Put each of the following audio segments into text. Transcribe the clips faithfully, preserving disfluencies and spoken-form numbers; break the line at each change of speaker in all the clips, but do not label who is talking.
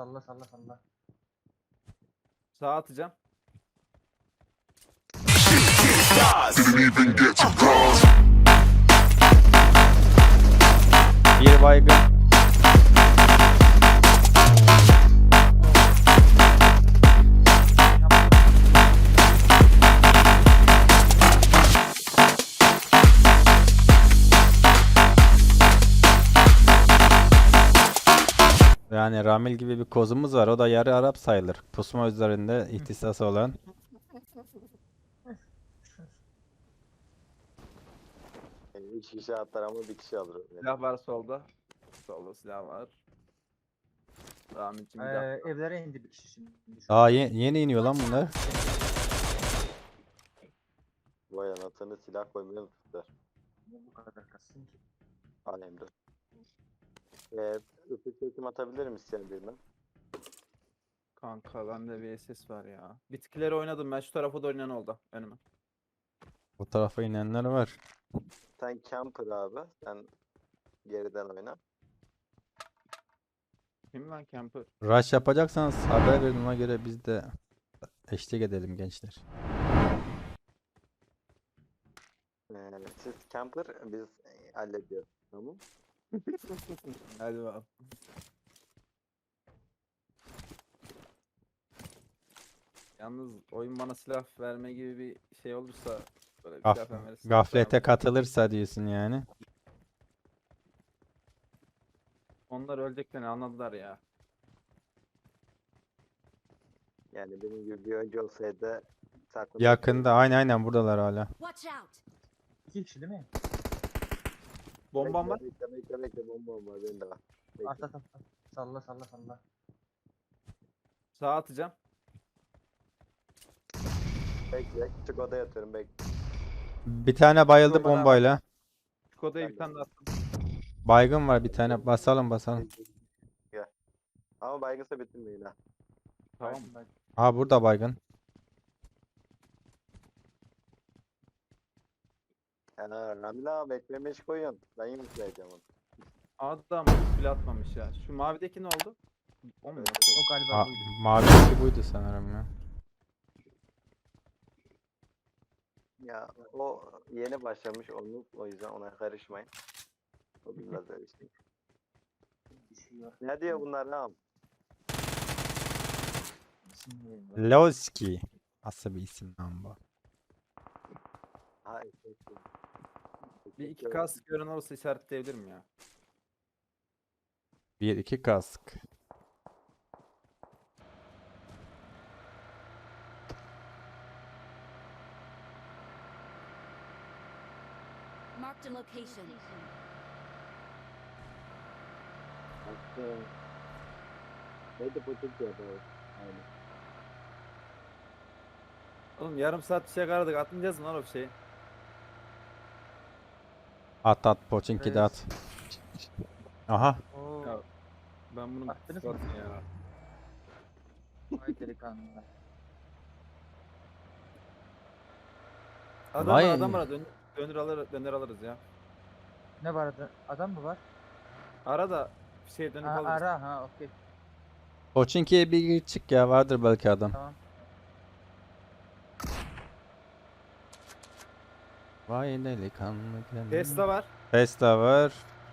Salla salla salla.
Sağa atacağım.
Didn't even get to cross.
Bir baygın. Yani Ramil gibi bir kozumuz var. O da yarı Arap sayılır. Pusma üzerinde ihtisası olan.
Yani üç kişi atlar ama bir kişi alır. Yani.
Silah var solda. Solda silah var. Rahmetçim bir daha.
Ee, evlere indi bir kişi şimdi. Şu
Aa ye- yeni iniyor lan bunlar.
Vay anasını silah koymayı unuttular.
Niye bu kadar kassın ki?
Alemde. Eee ısı çekim atabilir misin birine?
Kanka bende V S S var ya. Bitkileri oynadım ben, şu tarafa da oynayan oldu önüme.
Bu tarafa inenler var.
Sen camper abi. Sen geriden oyna.
Kim lan camper?
Rush yapacaksanız haber verin, ona göre biz de eşlik edelim gençler.
Ee, siz camper biz e, hallediyoruz. Tamam.
Hadi bakalım. Yalnız oyun bana silah verme gibi bir şey olursa böyle bir
Gaf-
silah falan verirse
Gaflete
tamam.
katılırsa diyorsun yani.
Onlar öleceklerini anladılar ya.
Yani benim gibi bir önce olsaydı saklı.
Yakında aynen aynen buradalar hala.
Watch out!
İki kişi değil mi?
Bombam var.
Bekle bekle bekle bombam var benim de var. Bekle.
At at at. at. Salla salla salla.
Sağa atacağım.
Bekle. Küçük odaya atıyorum bekle.
Bir tane bayıldı
Bomba daha var.
bombayla.
Şu kodaya
Ben
bir
de
tane daha attım.
Baygın var bir tane. Basalım basalım.
Gel. Ama baygınsa bitirmeyin ha.
Tamam.
Bak, bak.
Aa burada baygın.
Ha, Ramila beklemiş koyun. Ben yine söyleyeceğim onu.
Adam bile atmamış ya. Şu mavideki ne oldu? O mu?
Evet.
O galiba
Aa,
buydu.
mavideki buydu sanırım ya.
Ya o yeni başlamış onu o yüzden ona karışmayın. O biraz öyle şey.
Düşüyor.
Ne diyor bunlar lan?
Şimdi
Lowski. Nasıl bir isim lan bu?
Ha, işte, işte.
Bir iki kask gören olursa işaretleyebilirim ya.
Bir iki kask.
Marked a location.
Hakkı. Neydi bu Türk ya böyle? Aynen.
Oğlum yarım saat bir şey aradık. Atmayacağız mı lan o şeyi?
At at Poçinki de at. Aha.
Oo.
Ya, Ben bunu
Attınız mı?
Atın ya.
Vay delikanlılar.
Adam
Vay.
var adam var. Dön, döner, alır, döner alırız ya.
Ne var orada? Adam mı var?
Ara da bir şey dönüp
Ha,
alırız.
ara ha okey.
Poçinki'ye bir gir çık ya, vardır belki adam.
Tamam.
Vay delikanlı gönlüm.
Tesla var.
Tesla var.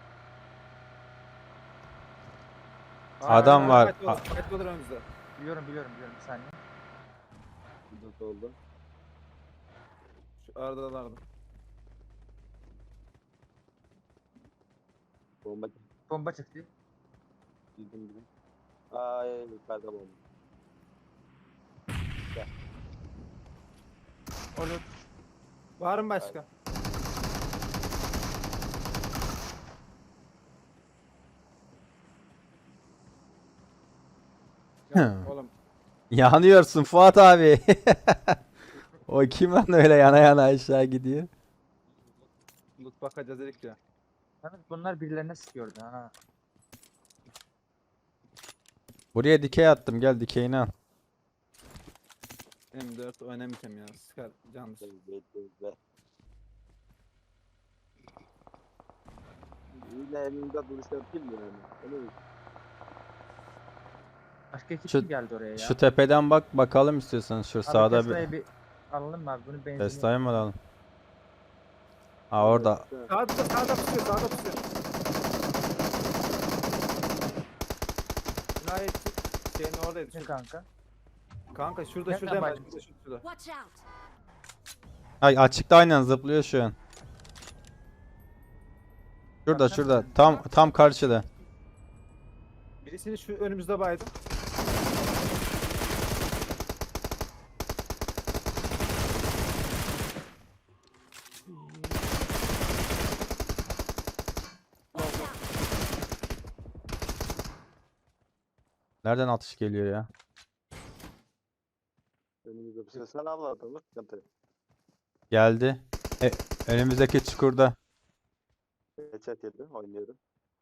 Aa,
Adam
aa,
var.
Fight olur, fight olur önümüzde.
Biliyorum biliyorum biliyorum bir saniye.
Nasıl oldu?
Şu aradalardı.
Bomba
Bomba çıktı.
bildim bildim. Ay yukarıda bomba.
Olur.
Var mı başka? Ya,
Hı.
oğlum
Yanıyorsun Fuat abi. O kim lan öyle yana yana aşağı gidiyor?
loot bakacağız dedik ya.
Yalnız bunlar birilerine sıkıyordu ha.
Buraya dikey attım, gel dikeyini al.
M dört oynamayacağım ya. Sıkar candır.
Bekle. Yine elimde duruş yapayım mı yani? Öyle mi?
Başka ekip
Şu-
mi geldi oraya ya?
Şu tepeden bak bakalım istiyorsan. Şu
Abi
sağda bir
Tesla'yı bir alalım mı abi? Bunun benzini.
Tesla'yı mı alalım? Ha orada.
Sağda sağda pusuyor sağda pusuyor. Cinayetçi şeyin oradaydı.
Ne
Şu-
kanka?
Kanka şurada
Nereden
şurada hemen
başladın?
şurada şurada.
Watch out!
Ay açıkta aynen zıplıyor şu an. Şurada
Baksana
şurada.
sen.
Tam tam karşıda.
Birisini şu önümüzde baydım.
Watch out!
Nereden atış geliyor ya?
Önümüzde bir şey. Sen avladın mı? Sıkıntı yok.
Geldi. E, önümüzdeki çukurda.
Headshot yedi. Oynuyorum.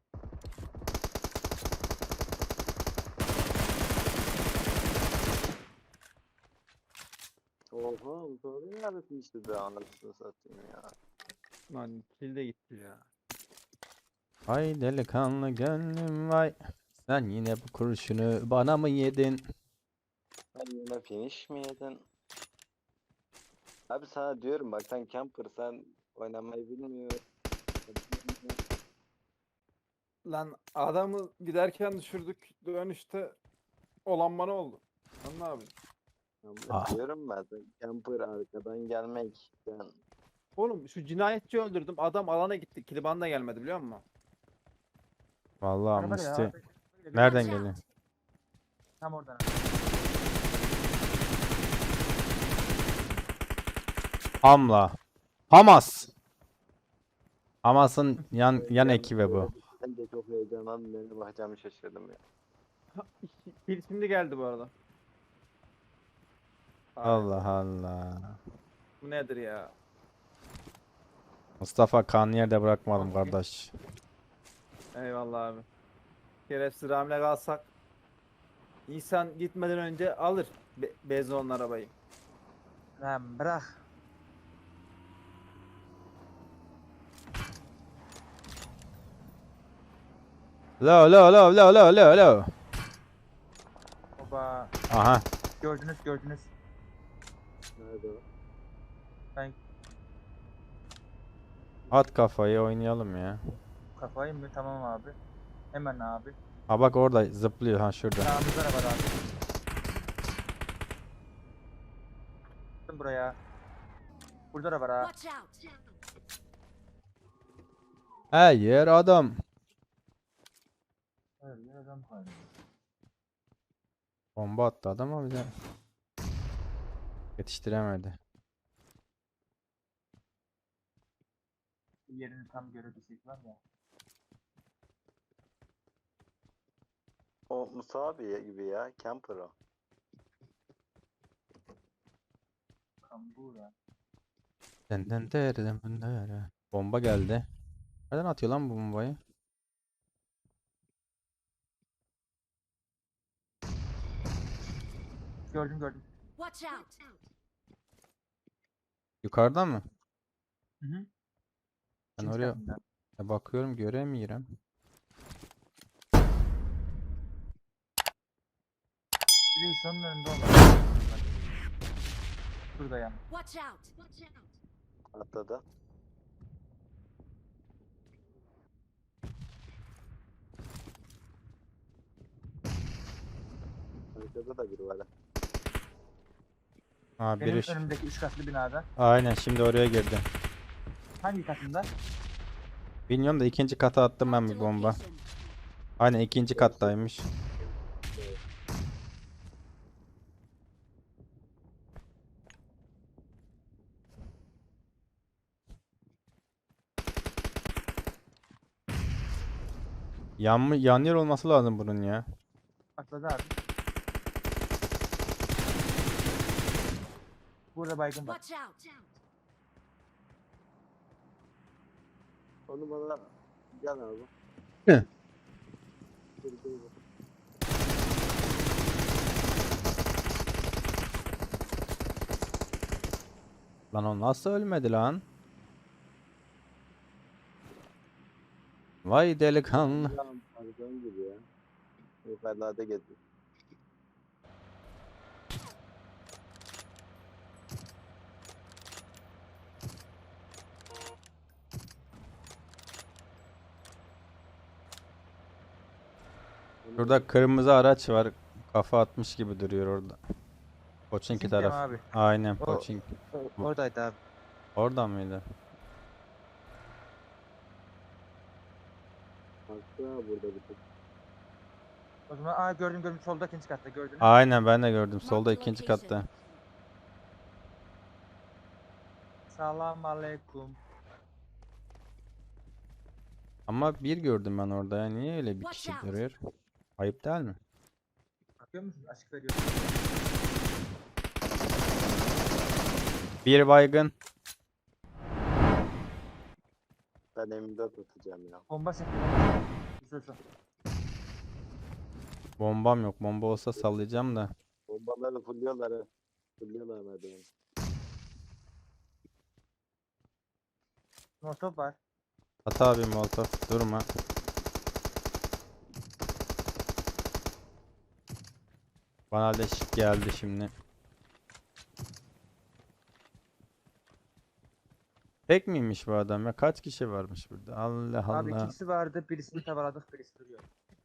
Oha, bu soru neredesin işte be anasını satayım ya.
Lan kill de gitti ya.
Ay delikanlı gönlüm vay. Sen yine bu kurşunu bana mı yedin?
Sen yine finish mi yedin? Abi sana diyorum bak sen camper sen oynamayı bilmiyorsun.
Lan adamı giderken düşürdük. Dönüşte olan bana oldu. Lan ne yapayım?
Ya
Ah.
diyorum ben sen camper arkadan gelmek. Sen
Oğlum şu cinayetçi öldürdüm. Adam alana gitti. Kiliban da gelmedi biliyor musun?
Vallahi
Araba da ya,
Musti.
araba-
Nereden
Watch
geliyor?
out!
Tam oradan.
Hamla. Hamas. Hamas'ın yan yan ekibi bu.
Ben de çok heyecanlandım. Nereye bakacağımı şaşırdım ya.
Kill şimdi geldi bu arada. Ay,
Allah Allah.
Bu nedir ya?
Mustafa kan yerde bırakmadım kardeş.
Eyvallah abi. Şerefsiz Ramile kalsak insan gitmeden önce alır Be Bezon'un arabayı.
Lan bırak.
Lo lo lo lo lo lo lo.
Oba.
Aha.
Gördünüz gördünüz.
Nerede o?
Ben
At kafayı oynayalım ya.
kafayı mı? Tamam abi. Hemen abi.
Ha bak orada zıplıyor ha şurada.
Sağımızda da var abi. Gittim buraya. Burada da var ha.
Watch out!
Hayır adam.
Hayır, ya adam var.
Bomba attı adam ama bize yetiştiremedi.
Yerini tam görebilsek var ya.
O Musa abi gibi ya. Camper o.
Kambura.
Den den der den den der. Bomba geldi. Nereden atıyor lan bu bombayı?
Gördüm gördüm.
Watch out!
Yukarıdan mı?
Hı hı.
Ben
İkinci
oraya
katında.
e, bakıyorum göremiyorum.
Bir de sonun önünde olmalı. Şurada ya.
Watch out! Watch out!
Atladı. Arkada da biri var. ha.
Ha
Benim
biri şu-
önümdeki üç katlı binada.
Aynen şimdi oraya girdi.
Hangi katında?
Bilmiyorum da ikinci kata attım ben
Marked
bir
a
bomba.
location.
Aynen ikinci kattaymış. Yan mı yan yer olması lazım bunun ya.
Atladı abi. Burada baygın var.
Watch out!
Onu bana gel abi.
Hı.
Dur, dur, dur.
Lan o nasıl ölmedi lan? Vay delikanlı.
Tamam, pardon gibi ya. Yukarılarda geziyor.
Şurada kırmızı araç var. Kafa atmış gibi duruyor orada. Koçinki
Bizimki mi
taraf.
abi?
Aynen
O-
Koçinki.
O- Oradaydı abi.
Oradan mıydı?
Haklı ha burada bir tık.
O zaman aa gördüm gördüm solda ikinci katta gördün. mü?
Aynen ben de gördüm. Solda
Marked
ikinci
location.
katta.
Selam aleyküm.
Ama bir gördüm ben orada ya. Niye öyle bir
Watch
kişi
out.
duruyor? Ayıp değil mi?
Bakıyor musun? Açık veriyorum.
Bir baygın.
Ben M dört atacağım ya.
Bomba çekti. Güzel çok.
Bombam yok. Bomba olsa sallayacağım da.
Bombaları fulluyorlar ha. Fulluyorlar hadi. yani.
Motor var.
At abi molotof. Durma. Bana leş geldi şimdi. Tek miymiş bu adam ya? Kaç kişi varmış burada? Allah
Abi
Allah.
ikisi vardı. Birisini tavaladık. Birisi duruyor.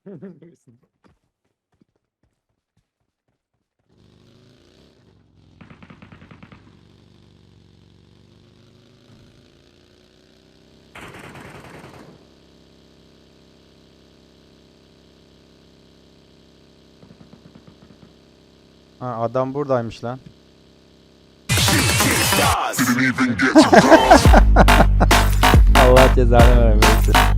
Ha, adam buradaymış lan.
Didn't even get to cross.
Allah cezanı vermesin.